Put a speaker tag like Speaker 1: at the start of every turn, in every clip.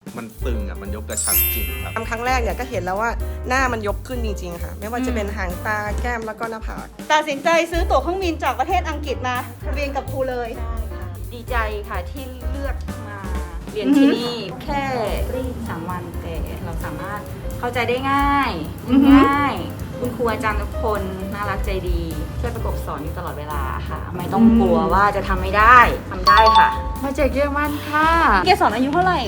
Speaker 1: มันตึงอ่ะมันยกกระชับจริงครับ
Speaker 2: ทำครั้งแรกเนี่ยก็เห็นแล้วว่าหน้ามันยกขึ้นจริงๆค่ะไม่ว่าจะเป็นหางตาแก้มแล้วก็หน้าผาก
Speaker 3: ตัดสินใจซื้อตั๋วเครื่องบินจากประเทศอังกฤษมาเรียนกับครูเลย
Speaker 4: ใช่ค่ะดีใจค่ะที่เลือกมาเรียนที่นี่แค่3 วันแต่เราสามารถเข้าใจได้ง่ายง่ายคุณครูอาจารย์ทุกคนน่ารักใจดีช่วยประกบสอนอยู่ตลอดเวลาค่ะ ไม่ต้องกลัวว่าจะทำไม่ได้ทำได้ค่ะมาจากเยอรมันค่ะ
Speaker 3: เกสรอายุเท่าไหร่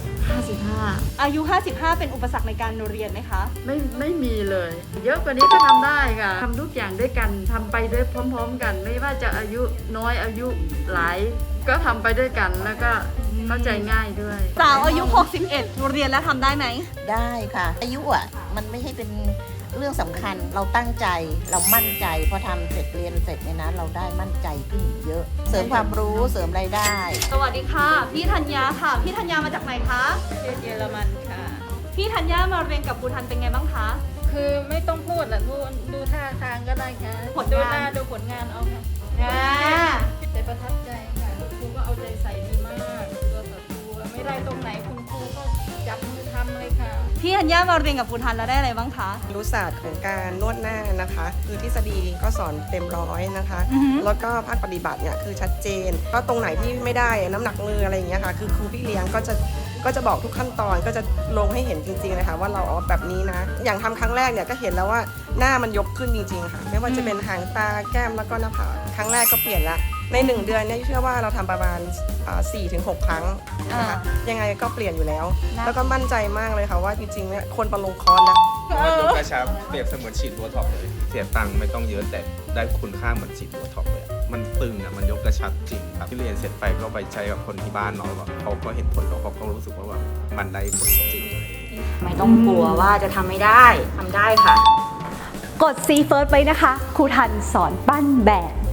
Speaker 4: 55
Speaker 3: อายุ 55 เป็นอุปสรรคในการเรียนไหมคะ
Speaker 5: ไม่มีเลย เยอะกว่านี้ก็ทำได้ค่ะทำทุกอย่างด้วยกันทำไปด้วยพร้อมๆกัน ไม่ว่าจะอายุน้อยอายุหลายก็ทำไปด้วยกันแล้วก็เข้าใจง่ายด้วย
Speaker 3: สาวอายุ 61 เรียนแล้วทำได้ไหม
Speaker 6: ได้ค่ะ อายุอ่ะมันไม่ใช่เป็นเรื่องสำคัญเราตั้งใจเรามั่นใจพอทำเสร็จเรียนเสร็จเนี่ยนะเราได้มั่นใจขึ้นเยอะ เสริมความรู้เสริมรายได้
Speaker 3: สวัสดีค่ะ พี่ธัญญาค่ะ พี่ธัญญามาจากไหนคะ
Speaker 5: เยอรมันค่ะ
Speaker 3: พี่ธัญญามาเรียนกับครูทันเป็นไงบ้างคะ
Speaker 5: คือไม่ต้องพูดแหละดูท่าทางก็ได้ค่ะ
Speaker 3: ผลงาน
Speaker 5: ดูหน้าดูผลงานเอาค่ะ แต่ประทับใจค่ะคุณครูก็เอาใจใส่ดีมากตัวต่อตัวไม่ได้ตรงไหนคุณครูก็จับมือทำเลยค่ะ
Speaker 3: พี่ธัญญามาเรียนกับครูทันแล้วได้อะไรบ้างคะ
Speaker 2: รู้ศาสตร์ของการนวดหน้านะคะ คือทฤษฎีก็สอนเต็มร้อยนะคะ
Speaker 3: อือฮึ
Speaker 2: แล้วก็ภาคปฏิบัติเนี่ยคือชัดเจนก็ตรงไหนที่ไม่ได้น้ำหนักมืออะไรอย่างเงี้ยค่ะคือครูพี่เลี้ยงก็จะบอกทุกขั้นตอนก็จะลงให้เห็นจริงๆเลยค่ะว่าเราเอาแบบนี้นะ อย่างทำครั้งแรกเนี่ยก็เห็นแล้วว่าหน้ามันยกขึ้นจริงๆค่ะไม่ว่าจะเป็นหางตาแก้มแล้วก็หน้าผากครั้งแรกก็เปลี่ยนละใน1 เดือนเนี่ยเชื่อว่าเราทำประมาณ4-6 ครั้งนะคะยังไงก็เปลี่ยนอยู่แล้ว แล้วก็มั่นใจมากเลยค่ะว่าจริงๆเนี่ยคนประลงคอร์สนะ
Speaker 1: มันยกกระชับเปรียบเสมือนฉีดโบท็อกซ์เลยเสียตังค์ไม่ต้องเยอะแต่ได้คุณค่าเหมือนฉีดโบท็อกซ์เลยอะมันตึงอ่ะมันยกกระชับจริงครับที่เรียนเสร็จไปก็ไปใช้กับคนที่บ้านเนาะแบบเขาก็เห็นผลแล้วเขาก็รู้สึกว่าแบบมันได้ผลจริงอะไรอย่างเงี้ย
Speaker 4: ไม่ต้องกลัวว่าจะทำไม่ได้ทำได้ค่ะ
Speaker 7: กด See First ไว้นะคะ ครูทันสอนปั้นแบบ